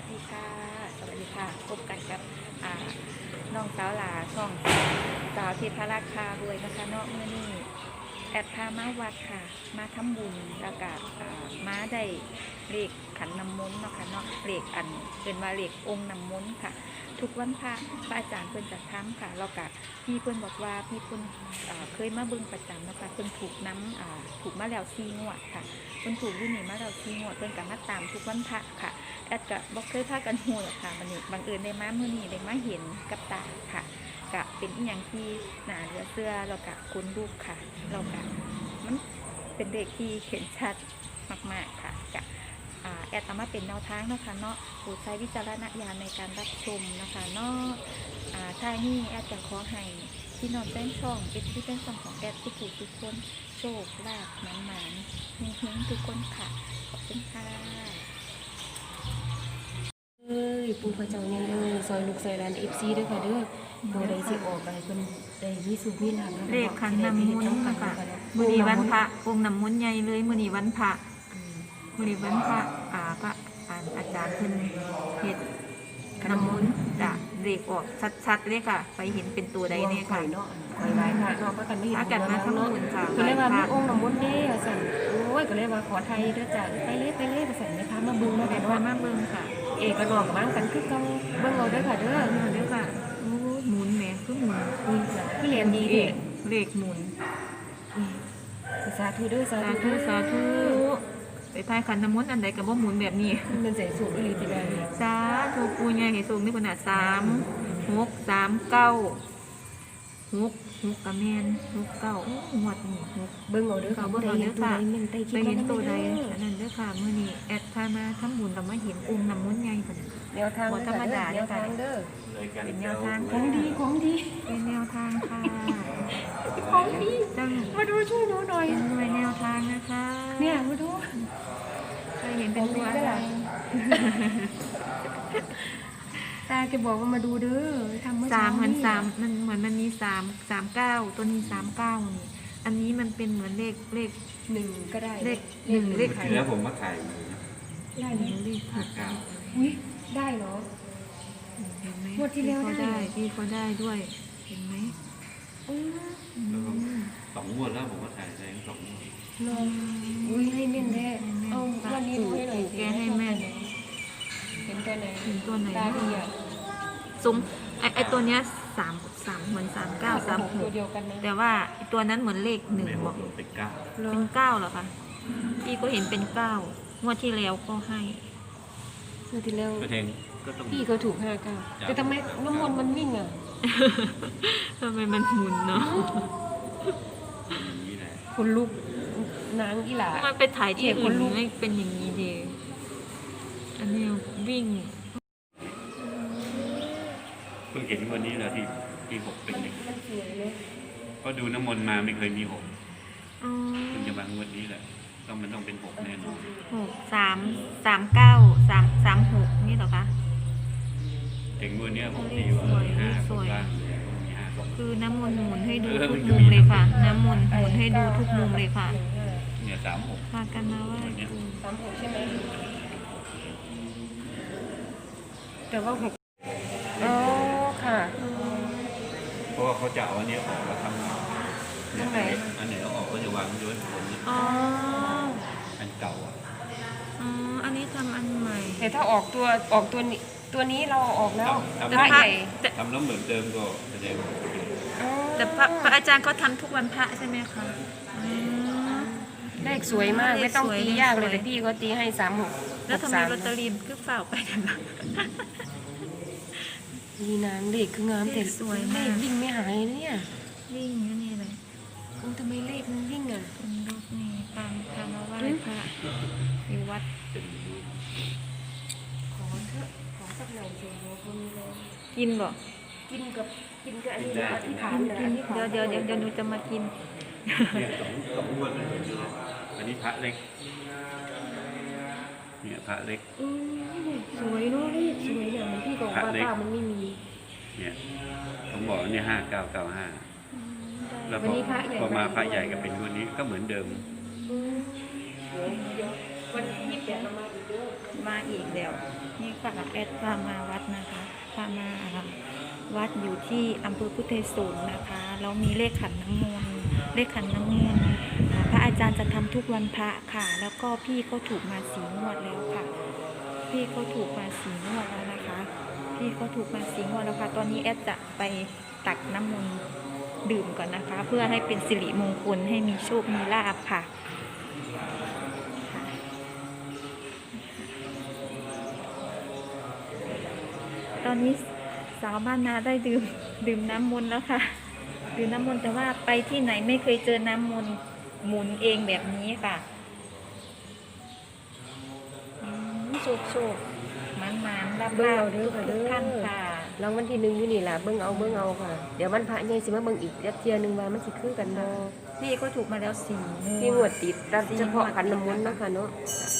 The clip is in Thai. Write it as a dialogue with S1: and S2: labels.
S1: ดีค่ะสวัสดีค่ะพบกันกับน้องสาวหลาช่องสาวเทพราคาด้วยนะคะเนาะเมื่อนี้แอดพามาวัดค่ะมาทำบุญแล้วก็มาได้เลขขันน้ำมนต์เนาะค่ะเนาะเลขอันเป็นว่าเลของค์น้ำมนต์ค่ะทุกวันพระอาจารย์เพิ่นจะทำค่ะแล้วก็พี่เพิ่นบอกว่าพี่เพิ่นเคยมาเบิ่งประจำนะคะเพิ่นถูกน้ำถูกมาแล้ว4 งวดค่ะเพิ่นถูกอยู่นี่มาแล้ว4 งวดเพิ่นก็มาตามทุกวันพระค่ะแอดก็บอกเคยพากันหูหรอกค่ะวันนี้บังเอิญได้มาเมื่อนี้ได้มาเห็นกับตาค่ะกะเป็นอีหยังที่หนาเหลือเสื้อเรากะคุ้นลูกค่ะเรากะมันเป็นเด็กที่เห็นชัดมากๆค่ะกะแอดเอามาเป็นแนวทางเนาะค่ะเนาะโปรดใช้วิจารณญาณในการรับชมนะคะเนาะท้ายนี้แอดจะขอให้พี่น้องแฟนช่องที่เป็นช่องของแอดทุกคนโชคลาภหมานๆเฮงๆทุกคนค่ะขอบคุณค่ะ
S2: ปูพระเจ้าเนี่ยเลยซอยลูกซอยหลานFCด้วยค่ะเด้อบ่ได้สิออกไปเพิ่นได้มีสุขมีลาภ
S1: เลขขันน้ำมนต์ค่ะมื้อนี้วันพระองค์น้ำมนต์ใหญ่เลยมื้อนี้วันพระมื้อนี้วันพระพระอาจารย์เพิ่นเฮ็ดน้ำมนต์จ้ะเลขออกชัดๆเลยค่ะไปเห็นเป็นตัวใดเนี่ยค่ะ
S2: เนาะคอยไหว้พระเนาะก็กันไม่เห็น
S1: อากันมาทำบุญค่ะ
S2: ก็เลยว่ามีองค์น้ำมนต์เด้ว่าซั่นโอ้ยก็เลยว่าขอไทยเด้อจ้ะไปเลยว่าซั่นนะคะมาเบิ่งมา
S1: เดี๋
S2: กั
S1: ย
S2: น
S1: วมา
S2: ว่า
S1: เบิ่งค่ะ
S2: เอกกับน้องกับบ้านกันคือเก่าเบิ่งเอาเด้อค่ะเด้อ
S1: เดี๋ยวค่ะโอ้หมุนแหมคือหมุน
S2: คือเรียนดี
S1: เล
S2: เด้
S1: ขเลขหมุน
S2: สาธุเด้อสา
S1: สา
S2: ธุ
S1: ธุสาธุไปทายขันน้ำมนต์อันใดก็บ่หมุนแบบนี้
S2: มันใส่สูงอีหลีติได้
S1: สาธุปูใหญ่ให้สูงนี่ขนาด6 3 9 6กระแมน6 9หมดนี่6
S2: เบิ่งเอาเด้อค่ะบ่ได้เห็นตัวใดแม่นได้คิ
S1: ไป
S2: ด
S1: เห็นตัวใด
S2: เด้อ
S1: อันนั้นเด้อค่ะมื้อนี้แอดพามาทำบุญแล้วมาเห็นองค์น้ำมนต์ใหญ่พุ่น
S2: แนวทาง
S1: บ่ธรรมดา
S2: แนวทางเด้อ
S1: เป็นแนวทาง
S2: ของดี
S1: เป็นแนวทางค่ะ
S2: ของดี
S1: จัง
S2: มาดูช่วยดูหน่อย
S1: เป็นหน่วยแนวทางนะคะ
S2: เนี่ยมาดู
S1: เคยเห็นเป็นตัวอะไร
S2: ตาแกบอกว่ามาดูเด้อทำเมื่อ
S1: สา
S2: เช้าม
S1: เหมือน
S2: นี่
S1: 3มันมี3 9ตัวนี้39นี่อันนี้มันเป็นเหมือนเลข
S2: หนึ่งก็ได้
S1: เลขหนึ่งเลข
S3: ทีแล้วผมมาถ่ายอยู่นะ
S2: ได้ไหม
S1: เลข
S2: อุ้ยได้เหรอ
S1: เห็นไหม
S2: งวดที่แล้วได้
S1: พี่เขาได้ด้วยเห็นไหม
S2: อือ
S3: แล้วก็2 งวดแล้วผมมาถ่ายได้2 งวด
S2: ลองอุ้ยให้แม่นแท้เอาวันนี้ดูให้หน่อยสิ
S1: แกให้แม่น
S2: เห็นตัวไหน
S1: เห็นตัวไหน
S2: ตาดีอ่ะ
S1: ซุ้มไอตัวเนี้ย3เหมือน
S2: ตัวเดียว
S1: 39
S2: กันนะ
S1: 36แต่ว่าไอ้ตัวนั้นเหมือนเลข1
S3: ไม่
S1: บ
S3: ห
S1: อก
S3: กเป็น 9
S1: เป็น9เหรอคะพี่ก็เห็นเป็น9งวดที่แล้วก็ให้
S2: เมื่อที่แล้ว
S3: ก็เทงก็ต้อง
S2: พี่เขาถูก59แต่ทำไมน้ำมนต์มันนิ่งอ่ะ
S1: ทำไมมันหมุนเนาะ
S3: อย่างนี้แหละ
S2: คนลุกนางอีหล่า
S1: มันไปถ่ายที่
S2: เจ็บค
S1: อื่
S2: น
S1: น
S2: ลุก
S1: ไม่เป็นอย่างนี้ดีอันนี้วิ่ง
S3: เพิ่งเห็นวันนี้แหละที่6เป็นอย่างนี้
S2: มันสวยเลย
S3: ก็ดูน้ำมนต์มาไม่เคยมี6
S1: อ๋อ
S3: เพิ่งจะมางวดนี้แหละมันต้องเป็น6แน่นอน
S1: 6 3 9 3 3 6นี่เหรอคะ
S3: ถึงงวดเนี้ยผมตีว่า5คนบ้างมี5 2
S1: คือน้ำมนต์หมุนให้ดูทุกมุมเลยค่ะ น้ำมนต์หมุนให้ดูทุกมุมเลยค่ะ
S3: เนี่ย36
S1: พากันมาไหว่า
S3: วันเนี้ย
S2: 36ใช่ไหมแต่ว่า6อ๋อค่ะ
S3: เพราะว่าเขาจะเอาอันเนี้ยออกแล้วทำเนี่ยอันไหนเอาออกก็จะวางไว้บนนี้
S1: อ๋อ
S3: อันเก่าอ่ะ
S1: อ๋ออันนี้ทำอันใหม่
S2: แต่ถ้าออกตัวนี้เราเอาออกแล้ว
S3: ทำ
S2: พระใหญ่
S3: ทำแล้วเหมือนเดิมก็แสดงว่า
S2: อ๋อ
S1: แต่พระอาจารย์เขาทำทุกวันพระใช่ไหมคะอ๋อ
S2: เลขสวยมาก
S1: เลข
S2: ไม่ต้อง
S1: สวย
S2: ตียากเลย
S1: เลขสวย
S2: แต่พี่เขาตีให้36
S1: แล้วทำไมลอตเตอรี่คือเฝ้าไปกันล่ะ
S2: นี่นางเลขคืองามแต่
S1: เลขสวยมาก
S2: เลขวิ่งไม่หายนะเนี่ย
S1: วิ่งอยู่นี่เลย
S2: โอ้ทำไมเลขมันวิ่งอ่ะ
S1: เป็นรูปนี่ตามมาไหว้พระอยู่วัด
S2: ขอเถอะขอสักหน่อยเถอะคนเลย
S1: กินบ่
S2: กินกับอันนี้นะอธิษฐานนะอธิษฐาน
S1: เดี๋ยวหนูจะมากิน
S3: เนี่ยสองงวดเลยอันนี้พระเล็กเนี่ยพระเล็ก
S2: อืมสวยเนาะเลขสวยเนี่ยมันพี่บอกว่าป้ามันไม่มี
S3: เนี่ยผมบอกว่าเนี่ย5995แล้ว
S2: วันนี้พระใหญ่
S3: พอมาพระใหญ่ก็เป็นวันนี้ก็เหมือนเดิม
S2: อืมเดี๋ยววันที่28เรามาอีกเด้อ
S1: มาอีกแล้วนี่ค่ะแอดพามาวัดนะคะพามาวัดอยู่ที่อำเภอพุทธไทยสงฆ์นะคะแล้วมีเลขขันน้ำมนต์เลขขันน้ำมนต์พระอาจารย์จะทำทุกวันพระค่ะแล้วก็พี่เขาถูกมา4 งวดแล้วค่ะพี่เขาถูกมา4 งวดแล้วนะคะพี่เขาถูกมา4 งวดแล้วค่ะตอนนี้แอดจะไปตักน้ำมนต์ดื่มก่อนนะคะ เพื่อให้เป็นสิริมงคลให้มีโชคมีลาภค่ะตอนนี้สาวบ้านนาได้ดื่มน้ำมนต์แล้วค่ะดื่มน้ำมนต์แต่ว่าไปที่ไหนไม่เคยเจอน้ำมนต์หมุนเองแบบนี้ค่ะโชคมันรับ
S2: เบิ่งเอาเด้อค่ะเด้อ
S1: ทุกท่านค่ะ
S2: รางวัลที่ 1อยู่นี่ล่ะเบิ่งเอาค่ะเดี๋ยววันพระใหญ่สิมาเบิ่งอีกเที่ยหนึงว่ามันสิคือกันบ่
S1: พี่ก็ถูกมาแล้ว4 งวด
S2: 4 งวดติดแต่เฉพาะขันน้ำมนต์เนาะค่ะเนาะ
S1: 4